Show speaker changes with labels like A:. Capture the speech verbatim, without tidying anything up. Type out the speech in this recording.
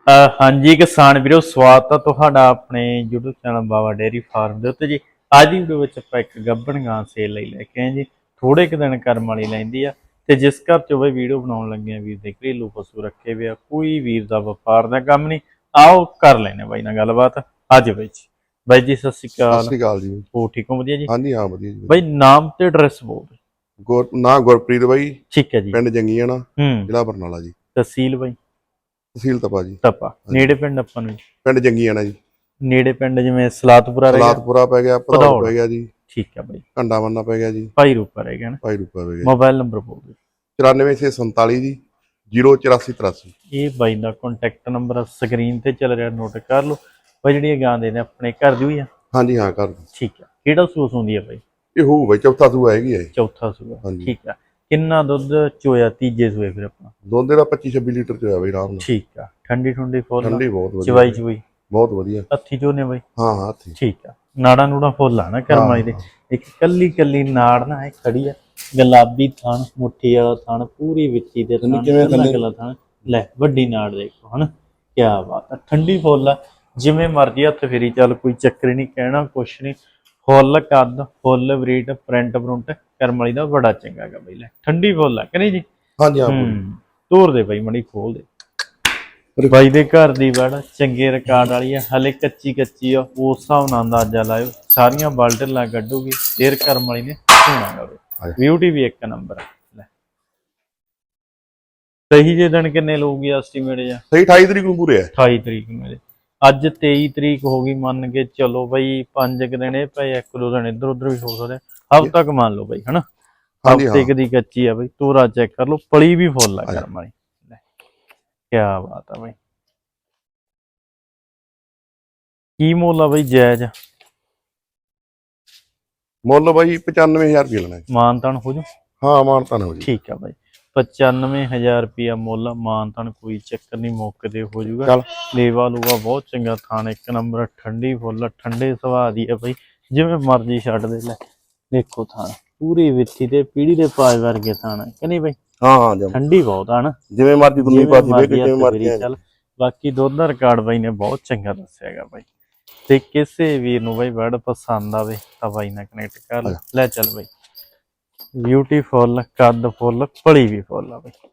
A: ਅ, ਹਾਂਜੀ ਕਿਸਾਨ ਵੀਰੋ, ਸਵਾਗਤ ਆ ਤੁਹਾਡਾ ਆਪਣੇ YouTube channel Bawa dairy farm ਦੇ ਉੱਤੇ ਜੀ। ਅੱਜ ਦੀ ਵੀਡੀਓ ਵਿੱਚ ਆਪਾਂ ਇੱਕ ਗੱਭਣ ਗਾਂ ਸੇਲ ਲਈ ਲੈ ਕੇ ਆਏ ਜੀ। ਥੋੜੇ ਕੁ ਦਿਨ ਕਰਮ ਵਾਲੀ ਲੈਂਦੀ ਆ ਤੇ ਜਿਸ ਘਰ ਚ ਬਈ ਵੀਡੀਓ ਬਣਾਉਣ ਲੱਗੇ ਆ ਵੀਰ ਦੇ ਘਰੇਲੂ ਪਸ਼ੂ ਰੱਖੇ ਵੇ ਆ, ਕੋਈ ਵੀਰ ਦਾ ਵਪਾਰ ਦਾ ਕੰਮ ਨਹੀਂ। ਆਓ ਕਰ ਲੈਨੇ ਬਾਈ ਨਾਲ ਗੱਲਬਾਤ ਅੱਜ ਬਾਈ ਜੀ। ਬਾਈ ਜੀ ਸਤਿ ਸ਼੍ਰੀ
B: ਸਤਿ
A: ਅਕਾਲ।
B: ਸ੍ਰੀ ਅਕਾਲ ਜੀ।
A: ਹੋ ਠੀਕ ਹੋ? ਵਧੀਆ ਜੀ।
B: ਹਾਂਜੀ ਹਾਂ ਵਧੀਆ ਜੀ।
A: ਬਾਈ ਨਾਮ ਤੇ ਐਡਰੈਸ ਬੋਲ ਦਿਓ।
B: ਗੁਰ ਨਾ ਗੁਰਪ੍ਰੀਤ ਬਾਈ,
A: ਠੀਕ ਹੈ ਜੀ।
B: ਪਿੰਡ ਜੰਗੀਆਣਾ,
A: ਹੂੰ।
B: ਜ਼ਿਲ੍ਹਾ ਬਰਨਾਲਾ ਜੀ।
A: ਤਹਿਸੀਲ ਬਾਈ?
B: ਤਹਿਸੀਲ ਤਪਾ ਜੀ।
A: ਤਪਾ। ਨੇੜੇ ਪਿੰਡ ਆਪਾਂ ਨੂੰ?
B: ਪਿੰਡ ਜੰਗੀਆਣਾ ਜੀ।
A: ਨੇੜੇ ਪਿੰਡ ਜਿਵੇਂ ਸਲਾਤਪੁਰਾ ਰਹਿ ਗਿਆ,
B: ਸਲਾਤਪੁਰਾ ਪੈ ਗਿਆ, ਭਦੌੜ ਪੈ ਗਿਆ ਜੀ।
A: ਠੀਕ ਹੈ ਬਾਈ।
B: ਘੰਡਾ ਬੰਨਾ ਪੈ ਗਿਆ ਜੀ।
A: ਭਾਈ ਰੂਪਾ ਰਹਿ ਗਿਆ ਨਾ।
B: ਭਾਈ ਰੂਪਾ ਪੈ ਗਿਆ।
A: ਮੋਬਾਈਲ ਨੰਬਰ ਬੋਲ ਦਿਓ।
B: ਚੁਰਾਨਵੇਂ ਛੇ ਸੰਤਾਲੀ ਜੀ, ਜ਼ੀਰੋ ਚੁਰਾਸੀ ਤਰਾਸੀ।
A: ਇਹ ਬਾਈ ਦਾ ਕੰਟੈਕਟ ਨੰਬਰ ਸਕਰੀਨ ਤੇ ਚੱਲ ਰਿਹਾ, ਨੋਟ ਕਰ ਲਓ। ਬਾਈ ਜਿਹੜੀ ਇਹ ਗਾਂ ਦੇ ਨੇ ਆਪਣੇ ਘਰ ਦੀ ਹੋਈ ਆ?
B: ਹਾਂਜੀ ਹਾਂ ਕਰ।
A: ਠੀਕ ਆ। ਕਿਹੜਾ ਸੂਸ ਹੁੰਦੀ ਆ ਬਾਈ?
B: ਇਹ ਹੋਊ ਬਾਈ ਚੌਥਾ ਸੂਆ ਹੈਗੀ ਹੈ।
A: ਚੌਥਾ ਸੂਆ। ਠੀਕ ਆ। ਕਿੰਨਾ ਦੁੱਧ ਚੋਇਆ ਤੀਜੇ ਸੂਏ ਫਿਰ ਆਪਣਾ?
B: ਦੁੱਧ ਦਾ ਪੱਚੀ ਛੱਬੀ ਲੀਟਰ ਚੋਇਆ ਬਾਈ ਆਰਾਮ ਨਾਲ।
A: ਠੀਕ ਆ। ਠੰਡੀ ਠੰਡੀ ਫੁੱਲ?
B: ਠੰਡੀ ਬਹੁਤ ਵਧੀਆ।
A: ਚਵਾਈ ਚਵਾਈ
B: ਬਹੁਤ ਵਧੀਆ।
A: ਹੱਥੀ ਚੋਨੇ ਬਾਈ?
B: ਹਾਂ ਹਾਂ ਹੱਥੀ।
A: ਠੀਕ ਆ। ਨਾੜਾ ਨੂੜਾ ਫੁੱਲ ਆ ਨਾ ਕਰਮਾਈ ਦੇ। ਇੱਕ ਕੱਲੀ ਕੱਲੀ ਨਾੜ ਨਾ ਇਹ ਖੜੀ ਆ, ਗੁਲਾਬੀ ਥਣ, ਮੁੱਠੀ ਵਾਲਾ ਥਣ, ਪੂਰੀ ਵਿੱਚੀ ਦੇ ਥਣ, ਕੱਲਾ ਕੱਲਾ ਥਣ। ਲੈ ਵੱਡੀ ਨਾੜ ਦੇਖੋ ਹਨਾ, ਕੀ ਬਾਤ ਆ। ਠੰਡੀ ਫੁੱਲ ਆ, ਜਿਵੇਂ ਮਰਜੀ ਹੱਥ ਫੇਰੀ ਚੱਲ, ਕੋਈ ਚੱਕਰ ਨਹੀਂ, ਕਹਿਣਾ ਕੁਛ ਨਹੀਂ। ਫੁੱਲ ਕੱਦ, ਫੁੱਲ ਬਰੀਡ, ਪ੍ਰਿੰਟ ਪ੍ਰਿੰਟ ਕਰਮ ਵਾਲੀ ਦਾ ਬੜਾ ਚੰਗਾ ਗਾ ਬਈ। ਲੈ ਠੰਡੀ ਫੁੱਲ ਆ ਕਿ ਨਹੀਂ ਜੀ?
B: ਹਾਂਜੀ ਹਾਂ।
A: ਤੋਰ ਦੇ ਬਾਈ ਮੜੀ, ਖੋਲ ਦੇ। ਬਾਈ ਦੇ ਘਰ ਦੀ ਵੜ ਚੰਗੇ ਰਿਕਾਰਡ ਵਾਲੀ ਆ, ਹਲੇ ਕੱਚੀ ਕੱਚੀ ਆ, ਉਸ ਹਿਸਾਬ ਨਾਲ ਅੰਦਾਜ਼ਾ ਲਾਇਓ। ਸਾਰੀਆਂ ਬਾਲਟਲਾਂ ਕੱਢੂਗੀ, ਫੇਰ ਕਰਮ ਵਾਲੀ ਨੇ ਹੋਣਾ ਗਾ। ਬਿਊਟੀ ਵੀ ਇੱਕ ਨੰਬਰ ਆ। ਲੈ ਸਹੀ ਜੇ ਦਿਨ ਕਿੰਨੇ ਲਊਗੀ ਐਸਟੀਮੇਟ ਜਾਂ?
B: ਸਹੀ ਅਠਾਈ ਤਰੀਕ ਨੂੰ ਪੂਰੇ ਆ।
A: ਅਠਾਈ ਤਰੀਕ ਨੂੰ ਮੇਰੇ ਅੱਜ ਤੇਈ ਤਰੀਕ ਹੋ ਗਈ, ਮੰਨ ਕੇ ਚਲੋ ਬਈ ਪੰਜ ਕੁ ਦਿਨ ਇਹ ਪਏ, ਇੱਕ ਦੋ ਦਿਨ ਇੱਧਰ ਉੱਧਰ ਵੀ ਹੋ ਸਕਦੇ। ਹਫ਼ਤਾ ਕੁ ਮੰਨ ਲਓ ਬਈ ਹਨਾ, ਹਫ਼ਤੇ ਕੁ ਦੀ ਕੱਚੀ ਆ ਬਈ। ਤੋਰਾ ਚੈੱਕ ਕਰ ਲਓ, ਪਲੀ ਵੀ ਫੁੱਲ ਆ ਕਰਮ ਵਾਲੀ। ਕਿਆ ਬਾਤ ਆ ਬਾਈ। ਕੀ ਮੁੱਲ ਆ ਬਾਈ? ਜਾਇਜ਼
B: ਮੁੱਲ ਬਾਈ ਪਚਾਨਵੇਂ ਹਜ਼ਾਰ ਰੁਪਏ ਲੈਣਾ।
A: ਮਾਨਤਾਨ ਹੋ ਜੂ?
B: ਹਾਂ ਮਾਨਤਾਨ ਹੋ ਜੀ।
A: ਠੀਕ ਆ ਬਾਈ। ਪਚਾਨਵੇਂ ਹਜ਼ਾਰ ਰੁਪਇਆ ਮੁੱਲ, ਮਾਨਤਾਨ ਕੋਈ ਚੱਕਰ ਨਹੀਂ, ਮੌਕੇ ਤੇ ਹੋ ਜੂਗਾ। ਲੇਵਾ ਲੂਗਾ ਬਹੁਤ ਚੰਗਾ, ਥਾਣ ਇੱਕ ਨੰਬਰ, ਠੰਡੀ ਫੁੱਲ, ਠੰਡੇ ਸੁਭਾਅ ਦੀ ਆ ਬਾਈ, ਜਿਵੇਂ ਮਰਜ਼ੀ ਛੱਡ ਦੇ। ਲੈ ਦੇਖੋ ਥਾਣ ਪੂਰੀ ਵਿੱਥੀ ਤੇ ਪੀੜੀ ਦੇ ਪਾਏ ਵਰਗੇ ਥਾਣ ਕਿ ਨਹੀਂ ਬਾਈ?
B: ਹਾਂ ਹਾਂ
A: ਠੰਡੀ ਬਹੁਤ ਆ ਨਾ,
B: ਜਿਵੇਂ ਮਰਜ਼ੀ ਦੁਨੀ ਪਾਦੀ ਵੇ ਜਿਵੇਂ ਮਰਜ਼ੀ
A: ਚੱਲ। ਬਾਕੀ ਦੁੱਧ ਦਾ ਰਿਕਾਰਡ ਬਾਈ ਨੇ ਬਹੁਤ ਚੰਗਾ ਦੱਸਿਆ ਹੈਗਾ ਬਾਈ। ਤੇ ਕਿਸੇ ਵੀਰ ਨੂੰ ਬਾਈ ਵਰਡ ਪਸੰਦ ਆਵੇ ਤਾਂ ਬਾਈ ਨਾਲ ਕਨੈਕਟ ਕਰ ਲੈ। ਚੱਲ ਬਾਈ ਬਿਊਟੀਫੁੱਲ, ਕੱਦ ਫੁੱਲ, ਭਲੀ ਵੀ ਫੁੱਲ ਆ ਬਾਈ।